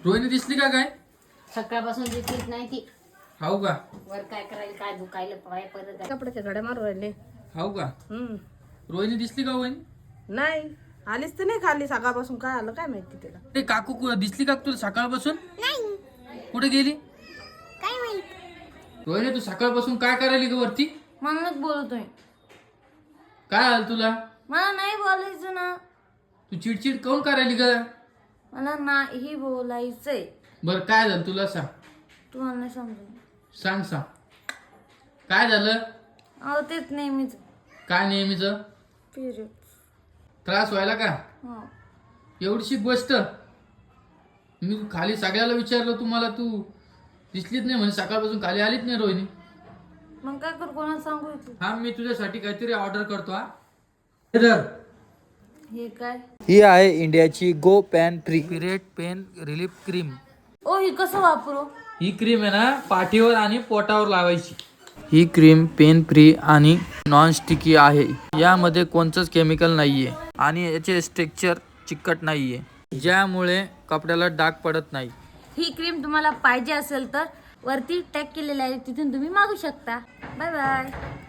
रोहिणी दिसली का काय? सकाळपासून दिसलीच नाही ती. हाऊ का? वर काय करायला, काय दुखायला पाय परत कपड्याच्या घड्या मारू राहिले. हाऊ का? रोहिणी दिसली का वहिनी? नाही आलीच तर नाही खाली सकाळपासून. काय आलं काय माहिती तिला. ते काकू दिसली का तुला सकाळपासून? कुठे गेली? काय माहित. रोहिणी तू सकाळपासून काय करायली ग वरती? म्हणूनच बोलतोय. काय आलं तुला? मला नाही बोलायचं ना. तू चिडचिड काऊन करायली ग? मला नाही बोलायचंय. बर काय झालं तुला सांग. तू मला नाही समजून. सांग काय झालं? अहो तेच नेहमीच. काय नेहमीच? पिरियड. त्रास व्हायला का? हो. एवढीशी गोष्ट मी खाली सगळ्याला विचारलं, तुम्हाला तू दिसलीच नाही म्हणजे सकाळपासून खाली आलीच नाही रोहिणी. मग काय कर, कोणाला सांगू इथे? हा मी तुझ्यासाठी काहीतरी ऑर्डर करतो. हा हे काय? ही आहे इंडियाची go pain free period pain relief cream. ओ ही कसं वापरू? ही क्रीम आहे ना पाठीवर आणि पोटावर लावायची. ही क्रीम पेन फ्री आणि नॉन स्टिकी आहे. यामध्ये कोणतंच केमिकल नाहीये आणि याचे स्ट्रक्चर चिकट नाहीये, ज्यामुळे कपड्याला डाग पडत नाही. ही क्रीम तुम्हाला पाहिजे असेल तर वरती टॅग केलेलं आहे, तिथून तुम्ही मागू शकता. Bye bye.